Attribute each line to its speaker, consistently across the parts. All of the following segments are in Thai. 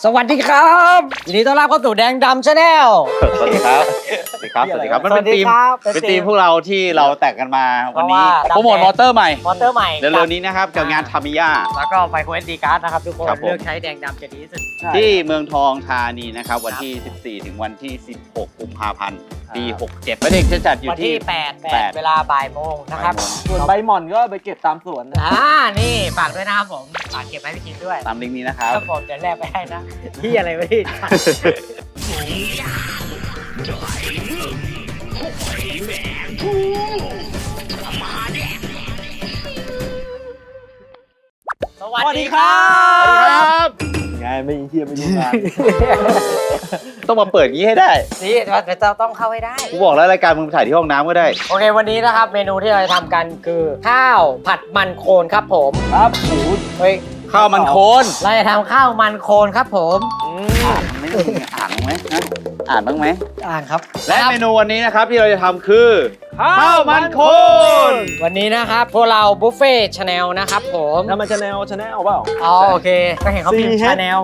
Speaker 1: สวัสดีครับยินดีต้อนรับเข้าสู่แดงดำชาแนล
Speaker 2: สวัสดีครับสวัสดีครับสวัสดีครับมันเป็นทีมพวกเราที่เราแต่งกันมาวันนี้โปรโมทมอเตอร์ใหม่เร็วๆนี้นะครับกับงานทามิยา
Speaker 1: แล้วก็ไมโคร SD card นะครับทุกคนเลือกใช้แดงดำจะดีที่สุด
Speaker 2: ที่เมืองทองธานีนะครับวันที่14ถึงวันที่16กุมภาพันธ์ปี67ประเด็กจะจัดอยู่ที่
Speaker 1: 8เวลาบ่ายโมงนะครับ
Speaker 3: ส่วนใบหม่อนก็ไปเก็บตามสวน
Speaker 1: นี่ฝากด้วยนะครับผมฝากเก็บไว้พี่กินด้วย
Speaker 2: ตามลิงก์นี้นะครับ
Speaker 1: ครับผมเดี๋ยวแลกไปให้นะที่อะไรไม่ได้สวัสดีครับ
Speaker 3: ไงไม่เที่ยวไม่ดูงาน
Speaker 2: ต้องมาเปิดงี้ให้ได้
Speaker 1: นี่เราต้องเข้าให้ได้
Speaker 2: กูบอกแล้วรายการมึงถ่ายที่ห้องน้ำก็ได้
Speaker 1: โอเควันนี้นะครับเมนูที่เราจะทำกันคือข้าวผัดมันโคนครับผม
Speaker 3: ครับหู
Speaker 1: เฮ้ย
Speaker 2: ข้าวมันโคน
Speaker 1: เราจะทำข้าวมันโคนครับผม
Speaker 2: อ่านบ้างไหมอ่านบ้างไหม
Speaker 1: อ่านครับ
Speaker 2: และเมนูวันนี้นะครับที่เราจะทำคือข้าวมันโคน
Speaker 1: วันนี้นะครับพวกเราบุฟเฟ่ชาแนลนะครับผม
Speaker 3: ทำมาชาแนลเปล่า
Speaker 1: อ๋อโอเคก็เห็นเขาพิมพ์ชาแนล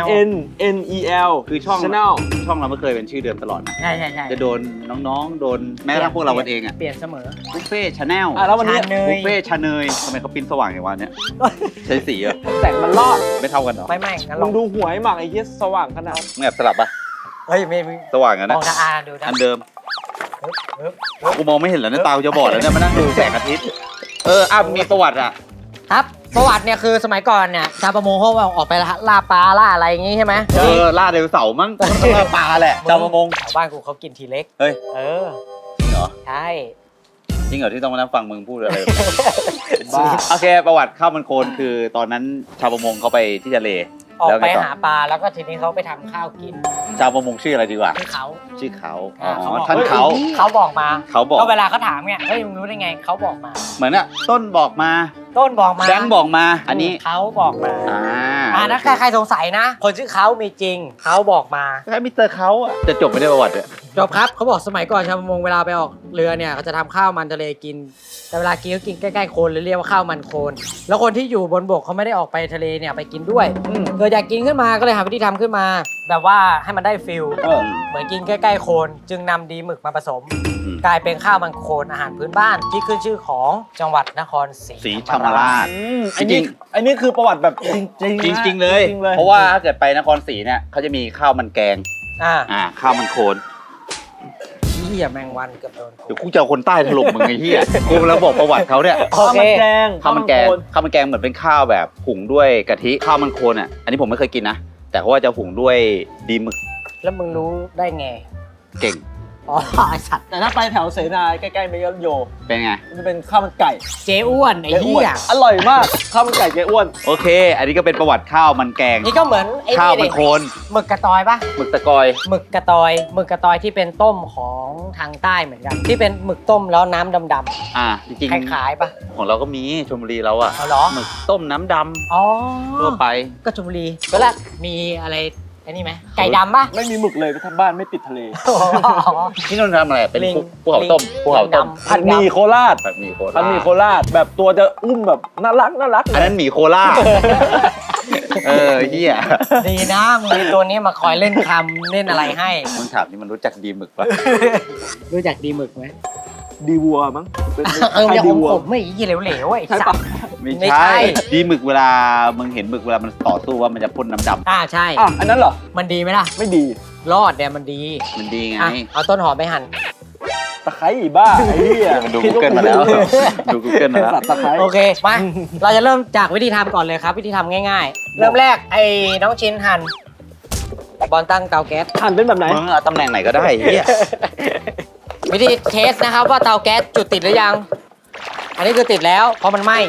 Speaker 3: CHANNEL
Speaker 2: คือช่อง
Speaker 3: Channel
Speaker 2: เราไม่เคยเป็นชื่อเดิมตลอดนะ
Speaker 1: ใช่
Speaker 2: จะโดนน้องๆโดนแม้กระทั่งพวกเราเองอ่ะ
Speaker 1: เปลี่ยนเสมอ
Speaker 2: บุฟเฟ่ชาแนล
Speaker 3: แล้ววันนี้
Speaker 2: บุฟเฟ่ชาเนยทำไมเขาปิ้นสว่างอย่างวันเนี้ยใช้สีอะ
Speaker 3: แสงมันรอด
Speaker 2: ไม่เท่ากันหรอ
Speaker 1: ไม่งั้น
Speaker 3: ลองดูหวยหมักไอ้เหี้ยสว่างขนาด
Speaker 2: มึงแอบสลับปะ
Speaker 1: เฮ้ยไม่
Speaker 2: สว่างกันนะ
Speaker 1: มองทางดู
Speaker 2: อันเดิมกูมองไม่เห็นแล้วนะตาจะบอดแล้วเนี่ยมานั่งดูแสงอาทิตย์มีประวัติอ่ะ
Speaker 1: ครับประวัติเนี่ยคือสมัยก่อนเนี่ยชาวประมงเขาออกไปล่าปลาล่าอะไรอย่างงี้ใช่ไหม
Speaker 2: ล่าไดโนเสาร์มั้งล่าปลาแหละชาวประมง
Speaker 1: ชาวบ้านกูเขากินทีเล็ก
Speaker 2: เฮ้ยจริงเหรอ
Speaker 1: ใช่
Speaker 2: จริงเหรอที่ต้องมานั่งฟังมึงพูดอะไรโอเคประวัติข้าวมันโคนคือตอนนั้นชาวประมงเขาไปที่ทะเล
Speaker 1: ออกไปหาปลาแล้วก็ทีนี้เขาไปทำข้าวกิน
Speaker 2: ชาวประมงชื่ออะไรดีกว่า
Speaker 1: ชื่อเขา
Speaker 2: ท่าน
Speaker 1: เขาบอกมาก็เวลาเขาถามเนี่ยเฮ้ยมึงรู้ได้ไงเขาบอกมา
Speaker 2: เหมือนอะต้นบอกมาแบงค์บอกมาอันนี้
Speaker 1: เขาบอกมานะใครสงสัยนะคนชื่อเขามีจริงเขาบอกมา
Speaker 2: แค่มิสเตอร์เขาอะจะจบไม่ได้ประวัติอะ
Speaker 1: จบครับเขาบอกสมัยก่อนชาวประมงเวลาไปออกเรือเนี่ยเขาจะทำข้าวมันทะเลกินแต่เวลากินก็กินใกล้ๆโคลนเลยเรียกว่าข้าวมันโคลนแล้วคนที่อยู่บนบกเขาไม่ได้ออกไปทะเลเนี่ยไปกินด้วยเกิดอยากกินขึ้นมาก็เลยหาวิธีทำขึ้นมาแบบว่าให้มันได้ฟิลเหมือนกินใกล้ๆโคลนจึงนำดีหมึกมาผสมกลายเป็นข้าวมันโคลนอาหารพื้นบ้านที่ขึ้นชื่อของจังหวัดนครศรี
Speaker 2: ธรรมราช
Speaker 3: อันนี้คือประวัติแบบจ
Speaker 2: ริงเลยเพราะว่าถ้าเกิดไปนครศรีเนี่ยเขาจะมีข้าวมันแกงข้าวมันโคลน
Speaker 1: เหี้ยแมงวันเกือบโดน
Speaker 2: เดี๋ยวกูจะเอาคนใต้ถล่มมึงไอ้เหี้ยกูแล้วบอกประวัติเขาเนี่ย
Speaker 3: ข้าวมันแกง
Speaker 2: เหมือนเป็นข้าวแบบหุงด้วยกะทิข้าวมันโคนอ่ะอันนี้ผมไม่เคยกินนะแต่เขาว่าจะหุงด้วยดีหมึก
Speaker 1: แล้วมึงรู้ได้ไง
Speaker 2: เก่ง
Speaker 1: ไอสัตว์
Speaker 3: แต่ถ้าไปแถวเสนาใกล้ๆเมยโย
Speaker 2: เป็นไง
Speaker 3: มันเป็นข้าวมันไก่
Speaker 1: เจ๊อ้วนไอ้เหี้ย
Speaker 3: อร่อยมากข้าวมันไก่เจ๊อ้วน
Speaker 2: โอเคอันนี้ก็เป็นประวัติข้าวมันแกง
Speaker 1: นี่ก็เหมือน
Speaker 2: ข้าวมันโคน
Speaker 1: หมึกกระตอยปะ
Speaker 2: หมึกตะกอย
Speaker 1: หมึกกระตอยที่เป็นต้มของทางใต้เหมือนกันที่เป็นหมึกต้มแล้วน้ำดำ
Speaker 2: จริง
Speaker 1: ๆคล้ายๆปะ
Speaker 2: ของเราก็มีชลบุรีเราอะหมึกต้มน้ำดำทั่วไป
Speaker 1: ก็ชลบุรีก็แล้วมีอะไรไอ้นี่ไหมไก่ดำปะ
Speaker 3: ไม่มีหมึกเลยทำบ้านไม่ติดทะเล
Speaker 2: ที่นั่นทำอะไรเป็นภูเขาต้ม
Speaker 3: ผัดหมี่โคราชแบบตัวจะอุ้มแบบน่ารัก
Speaker 2: อันนั้นหมี่โคราชเฮีย
Speaker 1: ดีนะมีตัวนี้มาคอยเล่นคำเล่นอะไรให้
Speaker 2: มึงถามนี่มันรู้จักดีหมึกปะ
Speaker 1: รู้จักดีหมึกไหม
Speaker 3: ดีวัวมั้ง
Speaker 1: อย่าผมไม่ยี่เหลวๆไอ้สัตว์
Speaker 2: ไม่ใช่ดีหมึกเวลามึงเห็นหมึกเวลามันต่อสู้ว่ามันจะพ่นน้ำด
Speaker 1: ำใช่
Speaker 3: อันนั้นเหรอ
Speaker 1: มันดีไหมล่ะ
Speaker 3: ไม่ดี
Speaker 1: รอดเนี่ยมันดี
Speaker 2: ไง
Speaker 1: เอาต้นหอมไปหั่น
Speaker 3: ตะไคร้บ้าไอ้เหี้ย
Speaker 2: ดู Google มาแล้ว
Speaker 3: ตะไคร้
Speaker 1: โอเคมาเราจะเริ่มจากวิธีทำก่อนเลยครับวิธีทำง่ายๆเริ่มแรกไอ้น้องชิ้นหั่นบอลตั้งเตาแก๊ส
Speaker 3: หั่นเป็นแบบไหน
Speaker 2: มึงเอาตำแหน่งไหนก็ได้เฮีย
Speaker 1: วิธีเทสนะครับว่าเตาแก๊สจุดติดหรือยังอันนี้คือติดแล้วเพราะมันไหม้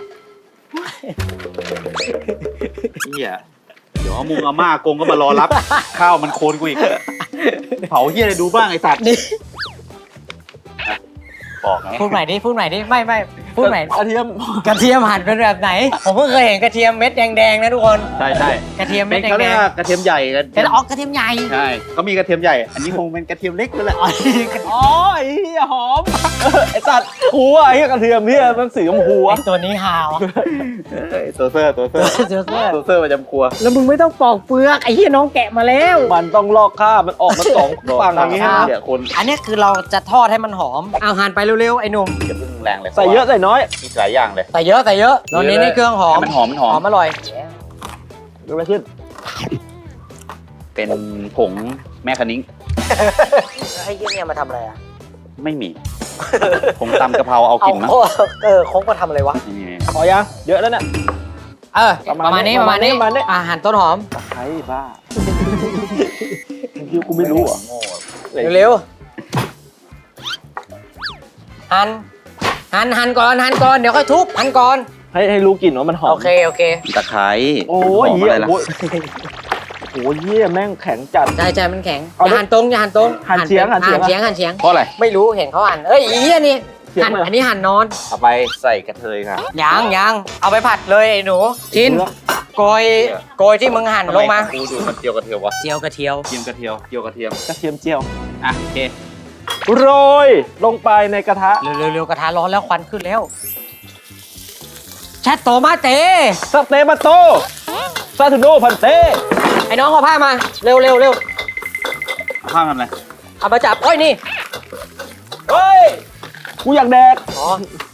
Speaker 2: เฮียเดี๋ยวมุงอาม่ากงก็มารอรับข้าวมันโคนกูอีกเผาเฮียอะไรดูบ้างไอ้สัตว์บอกไง
Speaker 1: พูดใหม่ดิไม่พูดใหม่
Speaker 3: กระเทียม
Speaker 1: กระเทียมหั่นเป็นแบบไหน ผมเพิ่งเคยเห็นกระเทียมเม็ดแดงๆนะทุกคน
Speaker 2: ใช่ใช่
Speaker 1: กระเทียม
Speaker 2: เป็
Speaker 1: เม็
Speaker 2: น
Speaker 1: ด
Speaker 2: เขา
Speaker 1: แด
Speaker 2: เรียก
Speaker 1: ง
Speaker 2: ว่ากระเทียมใหญ่กัน
Speaker 1: ๆเป็นออกกระเทียมใหญ่
Speaker 2: ใช่เขามีกระเทียมใหญ่ อันนี้คงเป็นกระเทียมเล็กนั่นแหละ
Speaker 3: อ๋อไอ้เหี้ยหอมไอ้สัตว์กูอะไอ้เหี้ยกระเทียมเนี่ยมันสีชมพู
Speaker 1: ไอ
Speaker 3: อะ
Speaker 1: ตัวนี้ฮาวอะ
Speaker 2: ตัวเซอร์ตัวเซอร์
Speaker 1: เจอเสื้อ
Speaker 2: ตัวเซอร์ประจำครัว
Speaker 1: แล้วมึงไม่ต้องปอกเปลือกไอ้เหี้ยน้องแกะมาแล้ว
Speaker 3: มันต้องลอกคราบมันออกมาสองฝั่งอย่างงี้
Speaker 1: ครับ
Speaker 2: เดี๋ยวคน
Speaker 1: อันนี้คือเราจะทอดให้มันหอม เอาหั่นไปเร็วๆไอ้หนุ่ม
Speaker 2: อย่าเพิ่งแรงเลย
Speaker 3: ใส่เยอะใส่น้อย
Speaker 2: มีหลายอย่างเลย
Speaker 1: ใส่เยอะเราเน้นในเครื่องหอม
Speaker 2: ให้มันหอมมันหอม
Speaker 1: อร่อย
Speaker 3: เกิดอะไรขึ้น
Speaker 2: เป็นผงแม่คะนิ้ง
Speaker 1: ไอ้เหี้ยเนี่ยมาทำอะไรอ่ะ
Speaker 2: ไม่มี ผงตำกะเพราเอากลิ่นมั้ง
Speaker 1: คงมาทำอะไรวะ
Speaker 2: นี่
Speaker 3: พอยังเยอะแล้วเนี่ย
Speaker 1: ประมาณนี้
Speaker 3: ประมาณนี้
Speaker 1: หั่นต้นหอม
Speaker 3: ใช่บ้ากูไม่รู้เหรอ่ะ
Speaker 1: เร็วๆหั่นก่อนเดี๋ยวค่อยทุบหั่นก่อน
Speaker 3: ให้รู้กลิ่นว่ามันหอม
Speaker 1: โอเค
Speaker 2: ตะไคร้
Speaker 3: โอ้ย
Speaker 2: หอม
Speaker 3: เหี้
Speaker 2: อะ
Speaker 3: ย
Speaker 2: ไรล่ะ
Speaker 3: โอ้ยโอ้ยเหี้ยแม่งแข็งจัด
Speaker 1: ใจมันแข็งอ
Speaker 3: เอา
Speaker 1: ย่าหั่นตรงอย่าหั่นตรง
Speaker 3: หั่นเฉียงหั่นเฉียง
Speaker 1: หั่นเฉียง
Speaker 2: เพราะอะไร
Speaker 1: ไม่รู้เห็นเขาหั่นเอ้ยอีเหี้ยนี่
Speaker 3: เฉียง
Speaker 1: หั่น
Speaker 3: เลย
Speaker 1: อันนี้หั่นนอน
Speaker 2: เอาไปใส่กระเทยค่ะ
Speaker 1: ยังเอาไปผัดเลยไอ้หนูชินโกยที่มึงหั่นลงมา
Speaker 2: กูดูมันเจียวกระเทียมวะ
Speaker 1: เจียวกระเทียว
Speaker 2: เจียมกระเทียมเจียวกระเทียม
Speaker 3: กระเทียมเจียว
Speaker 2: อ่ะโอเค
Speaker 3: โรยลงไปในกระทะ
Speaker 1: เร็วกระทะร้อนแล้วควันขึ้นแล้วชัดโตมาเต
Speaker 3: สเตมาโตซาทูโนพันเต้
Speaker 1: ไอ้น้องเอาผ้ามาเร็ว
Speaker 2: ข้าวทำอะไร
Speaker 1: เอามาจับโอ้ยนี่
Speaker 3: เฮ้ยกูอยากแดก
Speaker 1: อ๋อ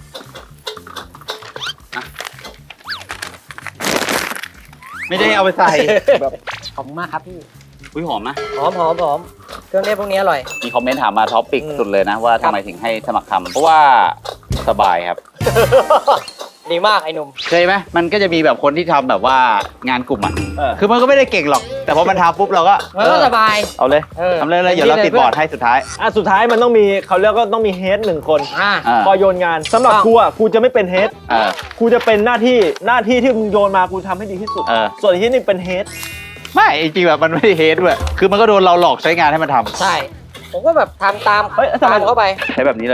Speaker 2: ไม่ได้เอาไปใส่
Speaker 3: แบบ
Speaker 1: ขอบคุณมากครับพี่
Speaker 2: อุ้ยหอมนะ
Speaker 1: หอมเครื่องเทศพวกนี้อร่อย
Speaker 2: มีคอมเมนต์ถามมาท็อปปิกสุดเลยนะว่าทำไมถึงให้สมัครทำเพราะว่าสบายครับ
Speaker 1: ดีมากไอ้หนุ่ม
Speaker 2: เคยไหมมันก็จะมีแบบคนที่ทำแบบว่างานกลุ่มอ่ะ
Speaker 3: เออ
Speaker 2: คือมันก็ไม่ได้เก่งหรอก แต่พอมันทำปุ๊บเราก็
Speaker 1: มันก็สบาย
Speaker 2: เอาเลย ทำเลยเดี๋ยวเราติดบอร์ดให้สุดท้าย
Speaker 3: สุดท้ายมันต้องมีเขาเรียกก็ต้องมีเฮดหนึ่งคน
Speaker 1: อ่า
Speaker 2: อ่า
Speaker 3: พอโยนงานสำหรับกูอ่ะกูจะไม่เป็นเฮด
Speaker 2: เออ
Speaker 3: กูจะเป็นหน้าที่ที่มึงโยนมากูทำให้ดีที่สุด
Speaker 2: เออ
Speaker 3: ส่วนที่นี่เป็นเฮด
Speaker 2: ไม่จริงๆแบบมันไม่ได้เฮดด้วยคือมันก็โดนเราหลอกใช้งานให้มันทำ
Speaker 1: ใช่ ผมก็แบบทำตาม
Speaker 3: เฮ้ยทำไม
Speaker 1: เข้าไป
Speaker 2: ใช้แบบนี้เลย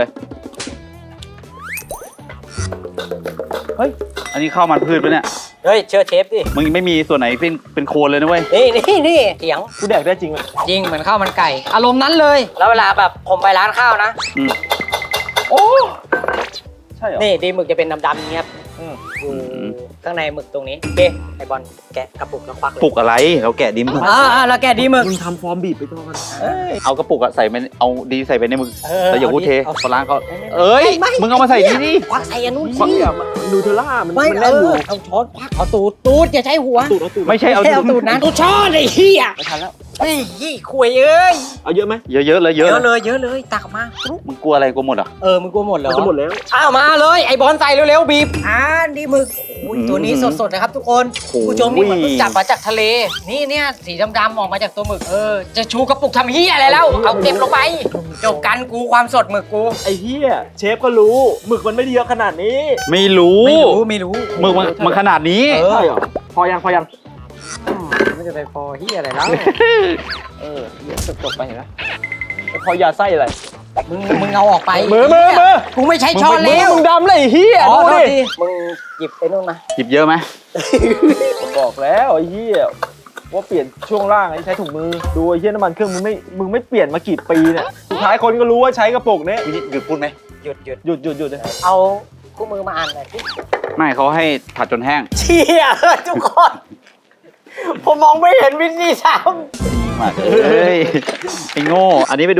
Speaker 3: เฮ้ย
Speaker 2: อันนี้ข้าวมันพืชปะเนี่ย
Speaker 1: เฮ้ยเชื่อเชฟดิ
Speaker 2: มึงไม่มีส่วนไหนเป็นโคนเลยนะเว้ย
Speaker 1: นี่เถียง
Speaker 3: กูแดกได้จริงไหม
Speaker 1: จริงเหมือนข้าวมันไก่ อารมณ์นั้นเลย แล้วเวลาแบบผมไปร้านข้าวนะ
Speaker 2: อืม
Speaker 3: โอ้ใช่เหรอ
Speaker 1: นี่ดีหมึกจะเป็นดำๆอย่างเงี้ยครับ
Speaker 3: อืม
Speaker 1: อยู่ข้างในหมึกตรงนี้โอเคไอบอลแกะกระปุกแล้วควักเลย
Speaker 2: ปลุกอะไรเราแกะดิม
Speaker 1: แล้วแกะดีหมึก
Speaker 3: มึงทำฟอร์มบีบไปก่อน
Speaker 2: เอากระปุกอะใส่ไปเอาดีใส่ไปในมึง
Speaker 1: เออ
Speaker 2: แล้วอย่าพูดเท
Speaker 1: เอาดิ
Speaker 2: เขาล้างเขาเอ้ย
Speaker 1: ไม่
Speaker 2: มึงเอามาใส่นี่ดิ
Speaker 1: ควักใส่อันนู้น
Speaker 3: เหี้
Speaker 1: สิ
Speaker 3: ยมันนูเทลล่ามัน
Speaker 1: ไม่
Speaker 3: มันแน่นอยู่
Speaker 1: เอาช้อนควักเอาตูดอย่าใช้หัว
Speaker 3: ตูดเอาตูด
Speaker 2: ไม่ใช่เอา
Speaker 1: แค่เอาตูดนะตูดช้อนไอ้เหี้ย
Speaker 3: ไม่ทันแล้ว
Speaker 1: เฮ้ยยี่ขวยเอ้ย
Speaker 3: เอาเยอะไหม
Speaker 2: เยอะๆเลยเย
Speaker 1: เย
Speaker 2: อะ
Speaker 1: อะเลยเยอะเลยตักมา
Speaker 2: มึงกลัวอะไรกลัวหมดอ่ะ
Speaker 1: มึงกลัวหมดเหร
Speaker 3: มั
Speaker 1: อน
Speaker 3: จะหมดแล้ว
Speaker 1: อ้าวมาเลยไอบอลใส่เร็วๆบีบดีหมึกโอ้ยตัวนี้สดๆนะครับทุกคนผู้ชมนี่มันเพิ่งจับมาจากทะเลนี่เนี่ยสีดำๆออกมาจากตัวหมึกจะชูกระปุกทำเหี้ยอะไรแล้วเอาเก็บลงไปจบกันกูความสดหมึกกู
Speaker 3: ไอ้เหี้ยเชฟก็รู้หมึกมันไม่ได้เยอะขนาดนี้
Speaker 2: ไม่รู้
Speaker 1: ไม่รู้
Speaker 2: มึงมันขนาดนี้
Speaker 1: เออ
Speaker 3: ใช่เหรอพอยัง
Speaker 1: ไม่จะไปพอเหี้ยอะไรแล้ว
Speaker 3: เหี้ยจบไปเห็นไหมพอยาไส้อะไร
Speaker 1: มึงเอาออกไป
Speaker 3: มือ
Speaker 1: กูไม่ใช้ช้อนแล้ว
Speaker 3: มึงดำเลยไอ้เหี้ย
Speaker 1: อ๋อ
Speaker 3: ดู
Speaker 1: โทษ
Speaker 3: ดิ
Speaker 1: ทีมึงหยิบไอ้นู่นมา
Speaker 2: หยิบเยอะไหม
Speaker 3: บอกแล้วไอ้เหี้ยว่าเปลี่ยนช่วงล่างไอ้ใช้ถุงมือดูไอ้เหี้ยน้ำมันเครื่องมึงไม่เปลี่ยนมากี่ปีเนี่ยสุดท้ายคนก็รู้ว่าใช้กระปุกนี้
Speaker 2: หยุดพูดไหม
Speaker 1: หยุด
Speaker 3: หยุดเลย
Speaker 1: เอาคู่มือมาอ่านหน่อยสิ
Speaker 2: ไม่เขาให้ผัดจนแห้ง
Speaker 1: เชี่ยทุกคน ผมมองไม่เห็นวิธีท
Speaker 2: มาเอ้ยไอ้โง่ อันนี้ไปดู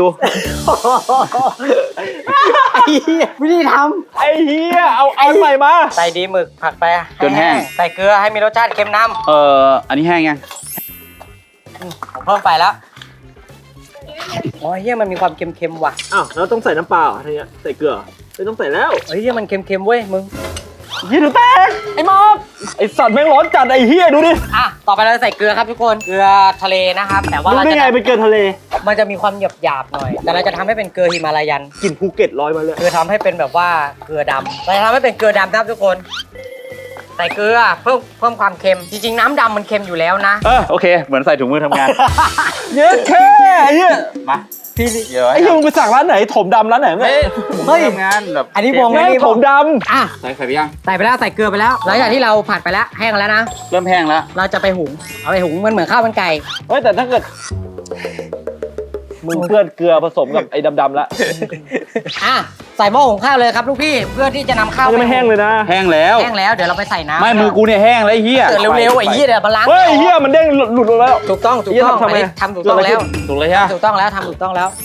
Speaker 1: ำไอ้เหี้ยวิธีท
Speaker 3: ไอ้เหี้ยเอาอันใหม่มา
Speaker 1: ำใส่ดีหมึกผัดไป
Speaker 2: จนแห้ง
Speaker 1: ใส่เกลือให้มีรสชาติเค็มน้
Speaker 2: อันนี้แห้งยัง
Speaker 1: ำผมเพิ่มไปแล้วอ๋อเฮียมันมีความเค็มๆว่ะ
Speaker 3: อ้าวแล้วต้องใส่น้ำเปล่าอะไรเงี้ยใส่เกลือไม่ต้องใส่แล้ว
Speaker 1: เฮียมันเค็มๆเว้ยมึง
Speaker 3: ยี่ดูแตกไอ้มอบไอ้สัตว์แม่งร้อนจัดไอ้เหี้ยดูดิ
Speaker 1: ต่อไปเราจะใส่เกลือครับทุกคนเกลือทะเลนะครับแต่ว่า
Speaker 3: รู้
Speaker 1: เรา
Speaker 3: ได้
Speaker 1: จะ
Speaker 3: ไงเป็นเกลือทะเล
Speaker 1: มันจะมีความหยาบๆหน่อย แต่เราจะทำให้เป็นเกลือฮิมาลายัน
Speaker 3: กลิ่นภูเก็ตลอยมาเลย
Speaker 1: คือทำให้เป็นแบบว่าเกลือดำเราจะทำให้เป็นเกลือดำนะครับทุกคน ใส่เกลือเพิ่มความเค็ม จริงๆน้ำดำมันเค็มอยู่แล้วนะ
Speaker 2: โอเค เหมือนใส่ถุงมือทำงาน
Speaker 3: เยอะแค่ไอ้เหี้ย
Speaker 2: มา
Speaker 1: พี่
Speaker 2: เยอะ
Speaker 3: ไอ้เหี้ยมึงไปสั่งร้านไหนถมดำร้านไหนเนี่ย
Speaker 1: เฮ้ย
Speaker 2: ทำงานแบบ
Speaker 1: อันนี้วง
Speaker 3: แม่งถมด
Speaker 1: อ่ะ
Speaker 2: ใส่ไข่ไปยัง
Speaker 1: ใส่ไปแล้วใส่เกลือไปแล้วหลังจากที่เราผัดไปแล้วแห้งแล้วนะ
Speaker 2: เริ่มแห้งแล้ว
Speaker 1: เราจะไปหุงเอาไปหุงมันเหมือนข้าวมันไก่
Speaker 3: ำเฮ้ยแต่ถ้าเกิดมึงเพื่อนเกลือผสมกับไอ้ดำๆละ
Speaker 1: อ่ะใส่หม้อหุงข้าวเลยครับลูกพี่เพื่อที่จะนำข้าว
Speaker 3: มันจะไม่แห้งเลยนะ
Speaker 2: แห้งแล้ว
Speaker 1: แห้งแล้วเดี๋ยวเราไปใส่น้ำ
Speaker 2: ไม่มือกูเนี่ยแห้งแล้วไอ้เหี้ย
Speaker 1: เกิดเร็วๆไอ้ยี่เดี๋ยวมาล้าง
Speaker 3: เฮ้ยเหี้ยมันเด้งหลุดลงแล้ว
Speaker 1: ถูกต้องถูกต้อง
Speaker 3: ทำไม
Speaker 1: อันนี้ทำถูกต้องแล้ว
Speaker 2: ถูกเลยใช่ไหม
Speaker 1: ถูกต้องแล้วทำถูกต้องแล้ว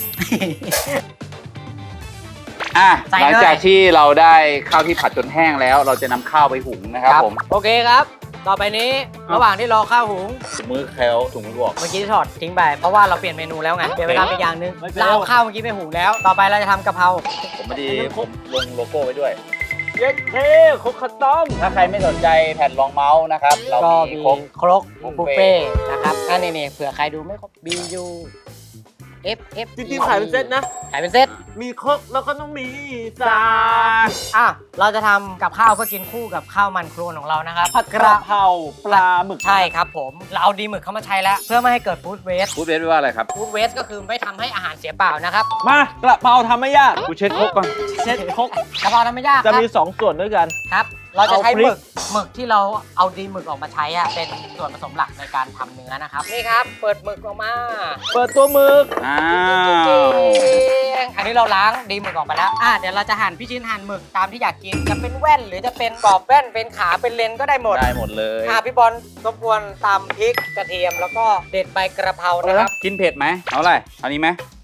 Speaker 2: อ่ะ
Speaker 1: ใส่
Speaker 2: ห
Speaker 1: เลย
Speaker 2: ลังจากที่เราได้ข้าวที่ผัดจนแห้งแล้ว เราจะนำข้าวไปหุงนะครับผม
Speaker 1: โอเคครับ ต่อไปนี้ระหว่างที่รอข้าวหุง
Speaker 2: ถุงมือแคลถุงมือบอก
Speaker 1: เมื่อกี้ถอดทิ้งไปเพราะว่าเราเปลี่ยนเมนูแล้วไงเปลี่ยนเวลาไปอย่างนึงเราเอาข้าวเมื่อกี้ไปหุงแล้ว ต่อไปเราจะทำกะเพรา
Speaker 2: ผมไม่ดีผมลงโลโก้ไว้ด้วย
Speaker 3: เย็ดเท่คกข้าวต้ม
Speaker 2: ถ้าใครไม่สนใจแผ่นรองเมาส์นะครับ เรา
Speaker 1: ก็
Speaker 2: มี
Speaker 1: มี
Speaker 2: ครบ
Speaker 1: ครก
Speaker 2: บุฟ
Speaker 1: บุฟ
Speaker 2: เฟ่
Speaker 1: เฟ่ต์นะครับอันนี้เผื่อใครดูไม่ครบ BU F
Speaker 3: จริงๆขายเป็นเซตนะ
Speaker 1: ขายเป็นเซต
Speaker 3: มีครกแล้วก็ต้องมีสา
Speaker 1: อ่ะเราจะทำกับข้าวเพื่อกินคู่กับข้าวมันโครนของเรานะครับ
Speaker 3: ผัดกระเพราปลาหมึก
Speaker 1: ใช่ครับผมเราเอาดีหมึกเข้ามาใช้แล้ว เพื่อไม่ให้เกิดฟู้ดเวส
Speaker 2: พูดเวทว่าอะไรครับ
Speaker 1: ฟู้ดเวสก็คือไม่ทำให้อาหารเสียเปล่านะครับ
Speaker 3: มากระเพราทำไม่ยาก
Speaker 2: กูเช็ดครกก่อน
Speaker 3: เช็ดครก
Speaker 1: กะเพราทำไม่ยากค
Speaker 3: จะ
Speaker 1: รับ
Speaker 3: มี2ส่วนด้วยกัน
Speaker 1: ครับ เราจะใช้
Speaker 3: เอาพริ
Speaker 1: ห
Speaker 3: ก
Speaker 1: มึกที่เราเอาดีหมึกออกมาใช้อะเป็นส่วนผสมหลักในการทำเนื้อนะครับนี่ครับเปิดหมึกออกมา
Speaker 3: เปิดตัวหมึก
Speaker 2: อ้าว
Speaker 1: อันนี้เราล้างดีหมึกออกไปแล้วเดี๋ยวเราจะหั่นพี่ชิ้นหั่นหมึกตามที่อยากกินจะเป็นแว่นหรือจะเป็นกรอบแว่นเป็นขาเป็นเลนก็ได้หมด
Speaker 2: ได้หมดเลย
Speaker 1: พี่บอลรบกวนตำพริกกระเทียมแล้วก็เด็ดใบกระเพรานะครับ
Speaker 2: กินเผ็ดไหมเอาอะไรเอานี้ไหม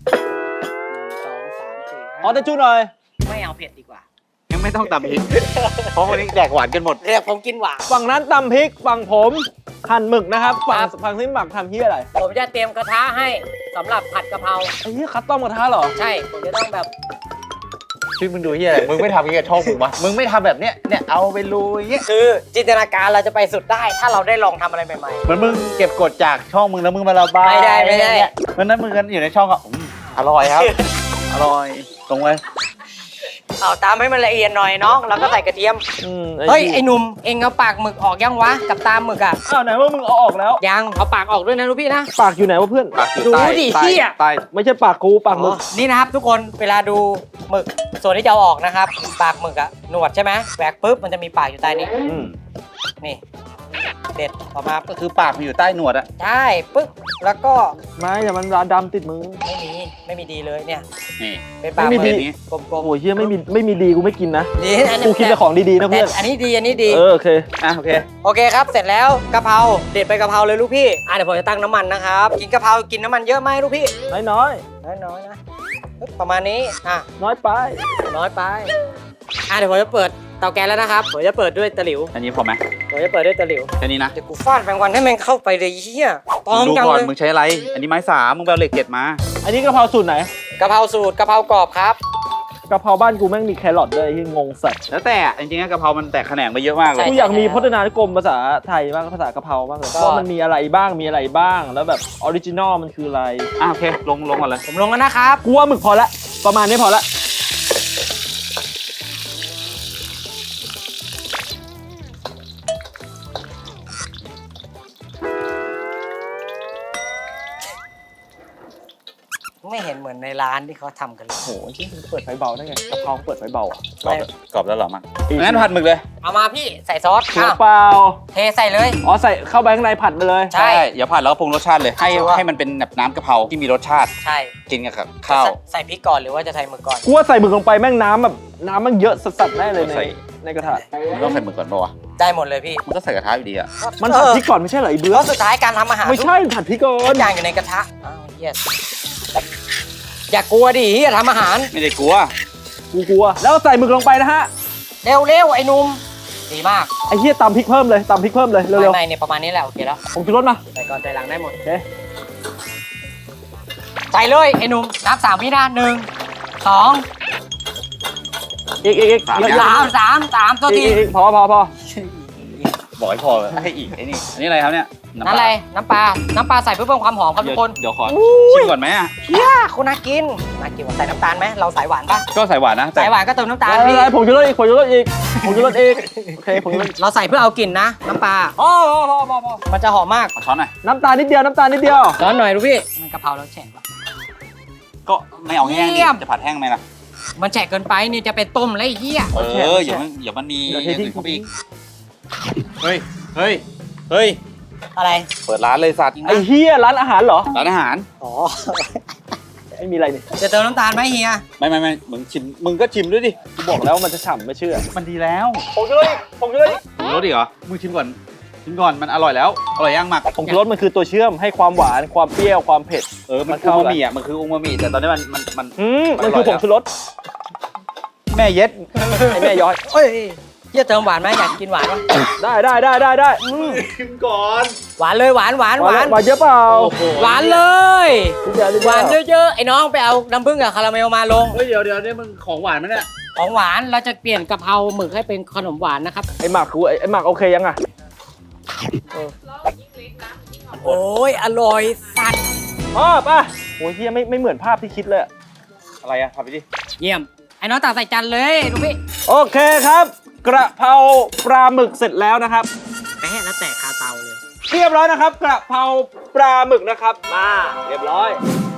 Speaker 3: ขอตะจูหน่อย
Speaker 1: ไม่เอาเผ็ดดีกว่า
Speaker 2: ยังไม่ต้องตำพริก เพราะวันนี้แดกหวานกันหมด
Speaker 1: เรียกผมกินหวาน
Speaker 3: ฝั่งนั้นตำพริกฝั่งผมหั่นหมึกนะครับฝั่งที่หมักทำเฮียอะไร
Speaker 1: ผมจะเตรียมกระทะให้สำหรับผัดกะเพรา
Speaker 3: ไอ้เฮียคัสตอมกระทะเหรอ
Speaker 1: ใช่ผมจะต้องแบบ
Speaker 2: ชื่อมึงดูเฮียอะไรมึงไม่ทำเฮียช่องมึงวะมึงไม่ทำแบบเนี้ยเนี่ยเอาไปลุยเงี้ย
Speaker 1: คือจินตนาการเราจะไปสุดได้ ถ้าเราได้ลองทำอะไรใหม่
Speaker 2: เหมือนมึงเก็บกดจากช่องมึงแล้วมึงมาระบาย
Speaker 1: ไม่ได้ไม่ได้
Speaker 2: เนี่ยวันนั้นมึงกันอยู่ในช่องอ่ะอร่อยครับ อร่อยตรงไว้
Speaker 1: ๆเอาตามให้มันละเอียดหน่อยน้องแล้วก็ใส่กระเทียม
Speaker 3: ไอ้
Speaker 1: เฮ้ยไอ้หนุ่มเองเอาปากหมึกออกยังวะกับตามหมึกอ่ะ
Speaker 3: อ้าวไหนว่ามึงเอาออกแล้ว
Speaker 1: ยังเอาปากออกด้วยนะลูกพี่นะ
Speaker 3: ปากอยู่ไหนวะเพื่อน
Speaker 2: ปากอยู่
Speaker 1: ดู
Speaker 2: ใต้
Speaker 1: ดิ
Speaker 2: ใต้
Speaker 1: เหี้ย
Speaker 2: ใต้
Speaker 3: ไม่ใช่ปากกูปากมึก
Speaker 1: นี่นะครับทุกคนเวลาดูหมึกส่วนที่จะเอาออกนะครับ ปากหมึกอะหนวดใช่ไหมแหวกปุ๊บมันจะมีปากอยู่ใต้นี้
Speaker 2: อืม
Speaker 1: นี่เด็ดออกมา
Speaker 2: ก็คือปากมันอยู่ใต้หนวดอะ
Speaker 1: ใช่ปึ๊บแล้วก็
Speaker 3: ไม่แต่มันดำติดมือ
Speaker 1: ไม่มีดีเลยเนี่ย
Speaker 2: นี่
Speaker 1: เป็นปาก
Speaker 3: ไม่มี
Speaker 1: ห
Speaker 3: ดี
Speaker 1: กกลม
Speaker 3: โอ้ยเฮียไม่มีดีกูไม่กินนะ
Speaker 1: ๆดีอันนี้
Speaker 3: กูคิดแต่ของดีๆนะ
Speaker 1: แต่
Speaker 3: เพื่อน
Speaker 1: อันนี้ดีอันนี้ดี
Speaker 3: โอเค
Speaker 2: อ่ะโอเค
Speaker 1: โอเคครับ เสร็จแล้วกะเพราเด็ดไปกะเพราเลยลูกพี่เดี๋ยวผมจะตั้งน้ำมันนะครับกินกะเพรากินน้ำมันเยอะไหมลูกพี่
Speaker 3: น้อย
Speaker 1: น้อยๆนะปึ๊บประมาณนี้
Speaker 3: น้อยไป
Speaker 1: น้อยไปเดี๋ยวผมจะเปิดเตาแก๊สแล้วนะครับผมจะเปิดด้วยตะหลิว
Speaker 2: อันนี้พอไหม
Speaker 1: ผมจะเปิดด้วยตะหลิว
Speaker 2: แค่นี้นะ
Speaker 1: เดี๋ยวกูฟาดแมงวันให้แมงเข้าไปเลยเฮียตอม
Speaker 2: ดู
Speaker 1: จัง
Speaker 2: ก่อน
Speaker 1: เลย
Speaker 2: มึงใช้อะไร อันนี้ไม้สามมึงไปเอาเหล็กเกล็ดมา
Speaker 3: อันนี้กะเพราสูตรไหน
Speaker 1: กะเพราสูตรกะเพรากรอบครับ
Speaker 3: กะเพราบ้านกูแม่งมีแครอทด้วยที่งงสัตว์
Speaker 2: แล้วแต่จริงๆกะเพรามันแตกแขนงไปเยอะมากเลย
Speaker 3: กูอยากมีพจนานุกรมภาษาไทยบ้างภาษากะเพราบ้างเลยว่ามันมีอะไรบ้างมีอะไรบ้างแล้วแบบออริจินอลมันคืออะไร
Speaker 2: โอเคลงก่อนเลย
Speaker 1: ผมลงแล้วนะครับ
Speaker 3: กูว่าหมึกพอละประมาณนี้พอละ
Speaker 1: ไม่เห็นเหมือนในร้านที่เขาทำกันเลย
Speaker 3: โหที่มึงเปิดไฟเบาได้ไงกะเพราเปิดไฟเบาอ่ะ
Speaker 2: กรอบแล้วเหรอมั้งงั้นผัดหมึกเลย
Speaker 1: เอามาพี่ใส่ซอส
Speaker 3: หัวเปล่า
Speaker 1: เทใส่เลย
Speaker 3: อ๋อใส่เข้าไปข้างในผัดไปเลย
Speaker 1: ใช่
Speaker 2: อย่าผัดแล้วก็ปรุงรสชาติเลยให้มันเป็นแบบน้ำกะเพราที่มีรสชาติ
Speaker 1: ใช่
Speaker 2: กินกับข้าว
Speaker 1: ใส่พริกก่อนหรือว่าจะใส่หมึกก่อน
Speaker 3: กูว่าใส่หมึกลงไปแม่งน้ำแบบน้ำมันเยอะสัสๆแน่เลยในกระทะ
Speaker 2: มันต้องใส่หมึกก่อนป่าวะ
Speaker 1: ได้หมดเลยพี่
Speaker 2: มันก็ใส่กระทะอยู่ดีอะ
Speaker 3: มันผัดพริกก่อนไม่ใช่เหรอไอ้เบื้
Speaker 1: แล้
Speaker 3: อ
Speaker 1: วสุดท้ายการทำอาหาร
Speaker 3: ไม่ใช่ผัดพริกก่อ
Speaker 1: ทุ
Speaker 3: น
Speaker 1: กอย่างอยู่ในกระทะอ้าวเฮียอย่ากลัวดิเฮียทำอาหาร
Speaker 2: ไม่ได้กลัว
Speaker 3: กูกลัวแล้วใส่หมึกลงไปนะฮะ
Speaker 1: เร็วๆไอ้หนุ่มดีมาก
Speaker 3: ไอ้เหี้ยตำพริกเพิ่มเลยตำพริกเพิ่มเลยเร็ว
Speaker 1: ไม่เนี่ยประมาณนี้แหละโอเคแล้ว
Speaker 3: ๆผมชูรสมา
Speaker 1: ใส่ก่อนใส่หลังได้หมด
Speaker 3: โอเค
Speaker 1: ใส่เลยไอ้หนุ่มนับ3 วินะ1 2
Speaker 3: อีกเยอะ
Speaker 1: 3ตัวที
Speaker 3: อีกพอ
Speaker 2: บอกให้พอให้อีกไอ้นี่อันนี้อะไรครับเนี่ย
Speaker 1: นั่นอะไรน้ำปลาใส่เพื่อเพิ่มความหอมครับทุกคน
Speaker 2: เดี๋ยวขอชิมก่อนไหมอะ
Speaker 1: เฮียคุณน่ากินว่ะใส่น้ำตาลไหมเราสายหวานปะ
Speaker 2: ก็ใส่หวานนะแต่
Speaker 1: สายหวานก็เติมน้ำตาล
Speaker 3: อะไร
Speaker 1: พี่
Speaker 3: ผมชูรสอีกโอเคผมชูรส
Speaker 1: เราใส่เพื่อเอากลิ่นนะน้ำปลา
Speaker 3: พอ
Speaker 1: มันจะหอมมาก
Speaker 2: ขอช้อนหน่อย
Speaker 3: น้ำตาลนิดเดียว
Speaker 1: ร้อนหน่อยดูพี่มันกะเพราแล้วแฉะปะ
Speaker 2: ก็ไม่เอาแห้ง
Speaker 1: เยี่
Speaker 2: ดิ
Speaker 1: ยม
Speaker 2: จะผัดแห้งไหมล่ะ
Speaker 1: มันแฉะเกินไปนี่จะไปต้มแล้วไอ้เหี้ย
Speaker 2: อย่ามันมีอย่างอื่นเข้าไปอีกเฮ้ยเฮ้ยเฮ้ย
Speaker 1: อะไร
Speaker 2: เปิดร้านเลยสัตว์
Speaker 3: ไอ้เฮียร้านอาหารเหรอ
Speaker 2: ร้านอาหาร
Speaker 1: อ๋อ
Speaker 3: ไม่มีอะไรนี่
Speaker 1: จะเติมน้ำตาลไหมเฮีย
Speaker 2: ไม่มึงก็ชิมด้วยดิ
Speaker 3: กูบอกแล้วมันจะฉ่ำไม่เชื่อ
Speaker 2: มันดีแล้ว
Speaker 3: ผงชูรสผงชูรส
Speaker 2: รสดิเหรอมึงชิมก่อนมันอร่อยแล้วอร่อยย่างหมัก
Speaker 3: ผงชูรสมันคือตัวเชื่อมให้ความหวานความเปรี้ยวความเผ็ด
Speaker 2: มันคืออูมามิอ่ะมันคืออูมามิแต่ตอนนี้มัน
Speaker 3: มันคือผงชูรส
Speaker 2: แม่เย็ด
Speaker 3: ไอ้แม่ย้อย
Speaker 1: เฮ้ยเฮียเติมหวานไหมอยากกินหวานปะ
Speaker 3: ได้
Speaker 2: ชิมก่อน
Speaker 1: หวานเลยหวาน
Speaker 3: หวานเยอะเปล่า
Speaker 1: หวานเลย
Speaker 3: ทุกอย่าง
Speaker 1: หวานเยอะๆไอ้น้องไปเอาน้ำผึ้งกับคาราเมลมาลง
Speaker 2: เฮ้ยเดี๋ยวนี่มึงของหวานมั้ยเนี่ย
Speaker 1: ของหวานเราจะเปลี่ยนกะเพราหมึกให้เป็นขนมหวานนะครับ
Speaker 3: ไอ้หมักกูไอ้หมักโอเคยังอ่ะ
Speaker 1: โอ้ยอร่อยสัตว์
Speaker 3: ป่ะโอ้ยเฮียไม่เหมือนภาพที่คิดเลย
Speaker 2: อะไรอ่ะทำไปดิ
Speaker 1: เยี่ยมไอ้น้องตักใส่จานเลยลูกพี่
Speaker 3: โอเคครับ กระเพราปลาหมึกเสร็จแล้วนะครับ
Speaker 1: แม่แล้วแตกคาเตาเลย
Speaker 3: เรียบร้อยนะครับ กระเพราปลาหมึกนะครับมาเรียบร้อย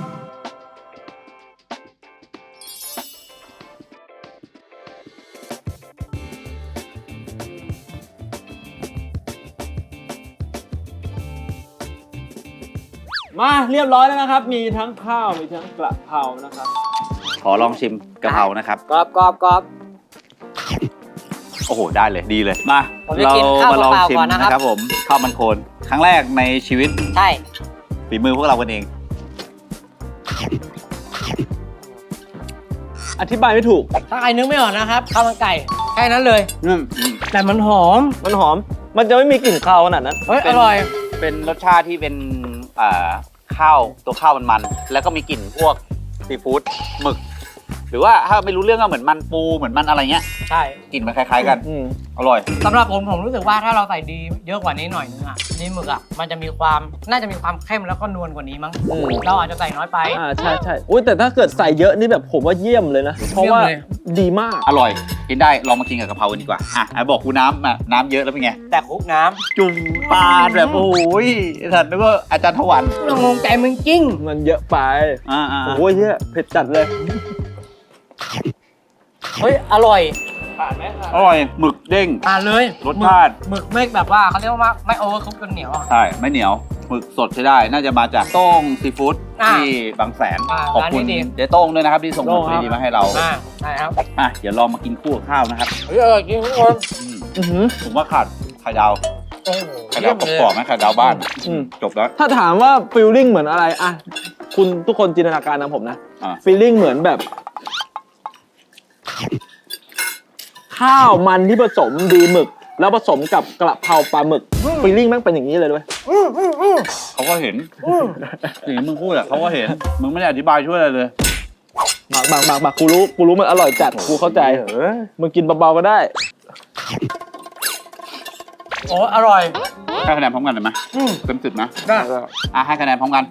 Speaker 3: มาเรียบร้อยแล้วนะครับ มีทั้งข้าวมีทั้งกระเพรานะครับ
Speaker 2: ขอลองชิมกะเพรานะครับ
Speaker 1: กรอบ
Speaker 2: โอ้โหได้เลยดีเลยมา
Speaker 1: ผมจะกินข้าว
Speaker 2: มาลอง
Speaker 1: เปล่าๆ
Speaker 2: ชิม
Speaker 1: ก่อนนะครับ
Speaker 2: นะครับผมข้าวมันโคนครั้งแรกในชีวิต
Speaker 1: ใช่
Speaker 2: ฝีมือพวกเรากันเอง
Speaker 3: อธิบายไม่ถูก
Speaker 1: ถ้าใครนึกไม่ออกนะครับข้าวมันไก่แค่นั้นเลย แต่มันหอม
Speaker 3: มันหอม มันจะไม่มีกลิ่นคาวขนาดนั้น
Speaker 1: เฮ้ยอร่อย
Speaker 2: เป็นรสชาติที่เป็นข้าวตัวข้าวมันๆแล้วก็มีกลิ่นพวกซีฟู้ดหมึก หรือว่าถ้าไม่รู้เรื่องก็เหมือนมันปูเหมือนมันอะไรเงี้ย
Speaker 1: ใช่
Speaker 2: กลิ่นมันคล้ายๆกัน
Speaker 3: อืม
Speaker 2: อร่อย
Speaker 1: สำหรับผมรู้สึกว่าถ้าเราใส่ดีเยอะกว่านี้หน่อยนึงอ่ะดีหมึกอ่ะมันจะมีความน่าจะมีความเข้มแล้วก็นวลกว่านี้มั้งเราอาจจะใส่น้อยไป
Speaker 3: ใช่อุ้ยแต่ถ้าเกิดใส่เยอะนี่แบบผมว่าเยี่ยมเลยนะ เพราะว่า
Speaker 1: เยี่ยมเลย
Speaker 3: ดีมาก
Speaker 2: อร่อยกินได้ลองมากินกับกะเพรากันดีกว่าบอกกูน้ำเยอะแล้วเป็นไง
Speaker 1: แต่คลุกน้ำ
Speaker 2: จุ่มปลาแบบโอ้ยสัตว์นึกว่าอาจารย์ถวัน
Speaker 1: เรางงใจมึงจริง
Speaker 3: มันเยอะไป
Speaker 2: อ่า
Speaker 3: โอ้ยเฮียเผ็ดจัดเลย
Speaker 1: เฮ้ยอร่อย
Speaker 2: อร่อยหมึกเด้ง
Speaker 1: ทานเลย
Speaker 2: รสชาติ
Speaker 1: หมึกไม่แบบว่าเขาเรียกว่าไม่โอเวอร์คุกจนเหนียวอะ
Speaker 2: ใช่ไม่เหนียวหมึกสดใช้ได้ น่าจะมาจากโต้งซีฟู้ด
Speaker 1: อ่า
Speaker 2: ที่บางแสน
Speaker 1: อ่า
Speaker 2: ขอบคุณ
Speaker 1: ร้านนี้ดี
Speaker 2: เจ๊โต้งด้วยนะครับที่ส่งหมึก
Speaker 3: โต้งครับ
Speaker 2: ดีๆมาให้เรา
Speaker 1: ใช่ครับ
Speaker 2: เดี๋ยวลองมากินคู่กับข้าวนะครับ
Speaker 1: เฮ้ยจริงทุกคน
Speaker 2: ผมว่าขาดไข่ดาว
Speaker 1: โอ้โห
Speaker 2: ไข่ดาวกรอบๆไหมไข่ดาวบ้าน
Speaker 3: อืม
Speaker 2: จบแล้ว
Speaker 3: ถ้าถามว่าฟีลลิ่งเหมือนอะไรอะคุณทุกคนจินตนาการนะผมนะ
Speaker 2: อ่า
Speaker 3: ฟีลลิ่งเหมือนแบบ ข้าวมันที่ผสมดีหมึก แล้วผสมกับกระเพราปลาหมึกฟีลลิ่งแม่งเป็นอย่างนี้เลยด้วย
Speaker 2: เขาก็เห็นสิ่งที่มึงพูดอะเขาก็เห็นมึงไม่ได้อธิบายช่วยอะไรเลย
Speaker 3: บากกูรู้มันอร่อยจัดกูเข้าใจมึงกินเบาๆก็ได้
Speaker 1: โอ้อร่อย
Speaker 2: ให้คะแนนพร้อมกันเลยไหมเต็ม10นะ
Speaker 1: ได้
Speaker 2: ให้คะแนนพร้อมกัน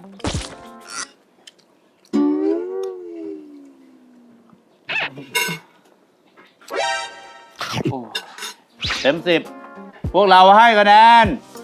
Speaker 2: โอ้เต็ม10พวกเราให้คะแนน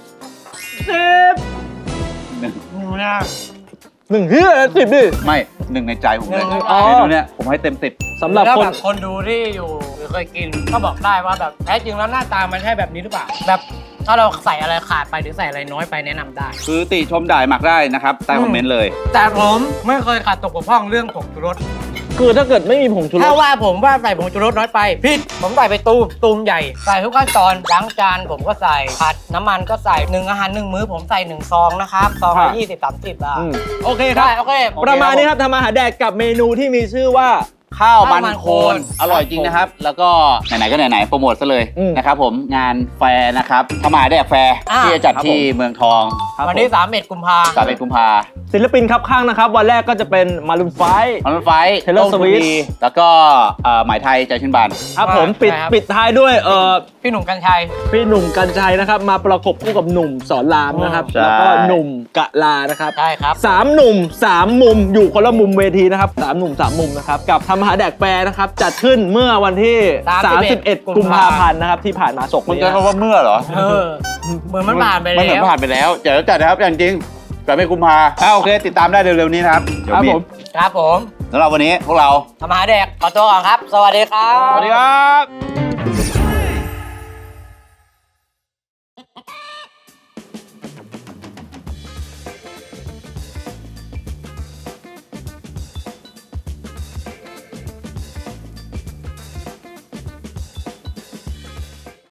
Speaker 3: 10
Speaker 2: หนึ่ง
Speaker 1: นะ
Speaker 3: 1เฮีย10ดิ
Speaker 2: ไม่หนึ่งในใจผมเลย
Speaker 1: หนึ่ง
Speaker 3: อ๋อ
Speaker 2: เมนูเนี้ยผมให้เต็ม10
Speaker 3: สำหรับ
Speaker 1: แล้ว
Speaker 3: คน
Speaker 1: แบบคนดูที่อยู่หรือเคยกินก็บอกได้ว่าแบบแท้จริงแล้วหน้าตามันใช่แบบนี้หรือเปล่าแบบถ้าเราใส่อะไรขาดไปหรือใส่อะไรน้อยไปแนะนำได้
Speaker 2: คือติชมด่ายหมักได้นะครับใต้คอมเมนต์เลย
Speaker 1: แต่ผมไม่เคยขาดตกบกพร่องเรื่องผงชูรส
Speaker 3: คือถ้าเกิดไม่มีผงชูร
Speaker 1: ถ้า
Speaker 3: ส
Speaker 1: ว่าผมว่าใส่ผงชูรสน้อยไปผิดผมใส่ไปตูมใหญ่ใส่ทุกขั้นตอนล้างจานผมก็ใส่ผัดน้ำมันก็ใส่1อาหาร1มื้อผมใส่1ซองนะครับซองละ20-30 บาท
Speaker 3: โอเคครั
Speaker 1: ได้
Speaker 3: บ
Speaker 1: โอเค
Speaker 3: ประมาณนี้ครับทำอาหารแดกกับเมนูที่มีชื่อว่า
Speaker 2: ข้าวมัน
Speaker 1: ข้าวมัน
Speaker 2: โค
Speaker 1: โคน น
Speaker 2: อร่อยจริงนะครับ แล้วก็ไหนๆก็ไหนๆโปรโมทซะเลย
Speaker 3: อืม
Speaker 2: นะครับผมงานแฟร์นะครับทำอาหารแดกแฟร์ที่จะจัดที่เมืองทอง
Speaker 1: วันที่31 กุมภา
Speaker 2: 31 กุมภา
Speaker 3: ศิลปินครับข้างนะครับ วันแรกก็จะเป็นมารุนไฟ
Speaker 2: ออนไฟ
Speaker 3: Taylor Swift
Speaker 2: แล้วก็หมายไทยใจชื่นบาน
Speaker 3: ครับผมปิดท้ายด้วย
Speaker 1: พี่หนุ่มกัญชัย
Speaker 3: พี่หนุ่มกัญชัยนะครับ มาประกบคู่กับหนุ่มสอนรามนะครับ
Speaker 2: ใช่
Speaker 3: แล้วก็หนุ่มกะลานะครับ
Speaker 1: ใช่ครับ
Speaker 3: 3 หนุ่ม 3 มุมอยู่คนละมุมเวทีนะครับ3 หนุ่ม 3 มุมนะครับกับทำอาหารแดกแฟร์นะครับจัดขึ้นเมื่อวันที่ 31 กุมภาพันธ์นะครับที่ผ่านมาศก
Speaker 2: มึง
Speaker 3: นี้
Speaker 2: จะ
Speaker 3: นะ
Speaker 2: คำว่าเมื่อเหรอ
Speaker 1: เหมือนมันผ่านไป
Speaker 2: มันเหมือน
Speaker 1: แล้ว
Speaker 2: ผ่านไปแล้วเดี๋ยวจัดนะครับอย่างจริงแต่ไม่กุมภาโอเค ติดตามได้เร็วๆนี้นะครับเดี๋ยว
Speaker 3: ครับ
Speaker 2: มี
Speaker 3: ผม
Speaker 1: ครับผม
Speaker 2: สำหรับวันนี้พวกเรา
Speaker 1: ทำอาหารแดกขอตัวก่อนครับ สวัสดีครับ
Speaker 3: สวัสดีครับ